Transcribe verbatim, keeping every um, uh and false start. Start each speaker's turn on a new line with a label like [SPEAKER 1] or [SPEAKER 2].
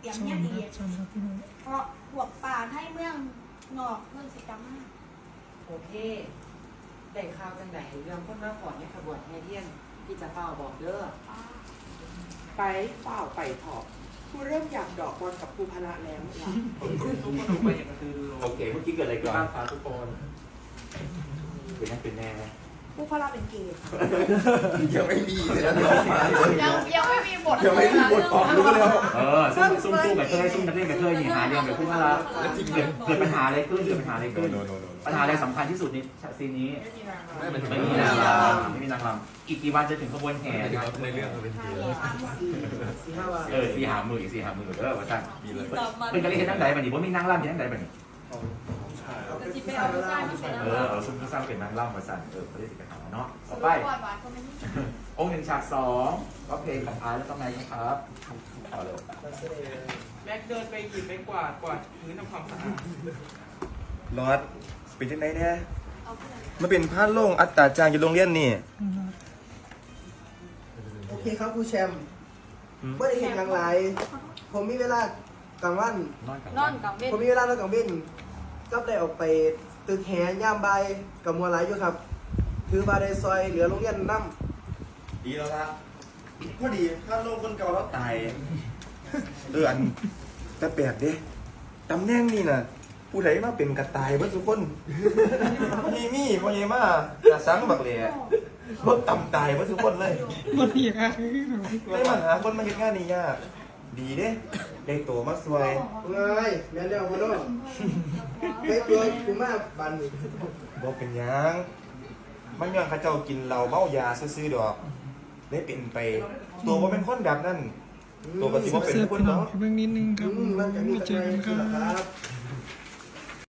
[SPEAKER 1] เตรียมเนี่ยดีเพราะพวกป่าให้เมืองนอกเมืองสิกรรมมาก
[SPEAKER 2] โอเคได้ข่าวจังไหนเรื่องคนมาขอในขบวนแห่เทียนที่จะเฝ้าบอกเด้อ
[SPEAKER 3] ไปเฝ้าไปถอบกูเริ่มอยากดอกบอลกับครูพละแล้วล่ะ
[SPEAKER 4] ทุกคนทุกคนอย่างกระตือรือร้น
[SPEAKER 5] โอเคเมื่อกี้เกิดอะไรก่อน
[SPEAKER 4] บ้านฟ้าทุกคน
[SPEAKER 5] เป็นนั่นเป็นแน่
[SPEAKER 3] ครูพละเป็นเกย์
[SPEAKER 5] ยังไม่มีเลยนะ
[SPEAKER 1] ยังยังไม่มีบท
[SPEAKER 5] ยังไม่มีบทออกรู้แล้ว
[SPEAKER 4] เออซุ่มซุ่มตู้แบบเคยซุ่มนักเล่นแบบเคยนี่หาเรื่องแบบพูดว่าแล้วจริงเกิดเกิดปัญหาอะไรขึ้นเกิดปัญหาอะไรขึ้นปัญหาอะไรสำคัญที่สุดในซีนนี้ไม่มีนางรำไม่มีนางรำอีกกี่วันจะถึงขบวนแห่
[SPEAKER 5] ในเรื่องเป็นที
[SPEAKER 4] เออสี่หามืออีกสี่หามือเออว่าสั่งเป็นการเล่นทั้งใดบัดนี้ว่ามีนางรำทั้งใดบัดนี้เออเอาซุ่มสร้างเป็นนางรำมาสั่งเออเขาได้สิกันหาเนาะต่อไปองค์หนึ่งฉากสองก็เพลงของอาร์แล้วก็ไงครับต่อเลย
[SPEAKER 3] แม็กเดินไปหยิบไปกวาดกวาดพื้นทำความสะอาด
[SPEAKER 5] รอดเป็นที่ไหนเนี่ยมันเป็นพาดโล่งอัตราจางอยู่โรงเรียนนี่
[SPEAKER 6] โอเคครับครูแชมป์เมื่อได้เห็นอย่างไรผมมีเวลากลางวัน
[SPEAKER 1] นอนกลางเว้น
[SPEAKER 6] ผมมีเวลานอนกลางเว้นก็ได้ออกไปตึกแหย่ามใบกับมัวไหลอยู่ครับคือบาได้ซอยเหลือโรงเรียนน้ำ
[SPEAKER 5] ดีแล้วละพอดีพาดโล่งคนเก่าแล้วตายเอออันแต่แปลกเด้ตำแหน่งนี่น่ะผู้ใดมาเป็นกระต่ายเพื่อทุกคนมีมีพ่อเยมาจะสังบักเหล่รถต่ำตายเพื่อทุกคนเลย
[SPEAKER 3] มันยาก
[SPEAKER 5] ไม่มันหาคนมาเห็นงานนี่ยากดีเด้ได้ตัวมาสวย
[SPEAKER 6] ไงแม่เดียวมาด้วยได้ตัวกูมาบัน
[SPEAKER 5] บอกเป็นยังมันย้อนข้าเจ้ากินเหล้าเมายาซื้อๆดอกได้เป็นไปตัวว่าเป็นคนแบบนั้นตัวปฏิบัติเป็นคนเนาะ
[SPEAKER 3] เบื้องนิดนึงครับ
[SPEAKER 6] มันจะมี
[SPEAKER 3] เจอกันครั
[SPEAKER 6] บ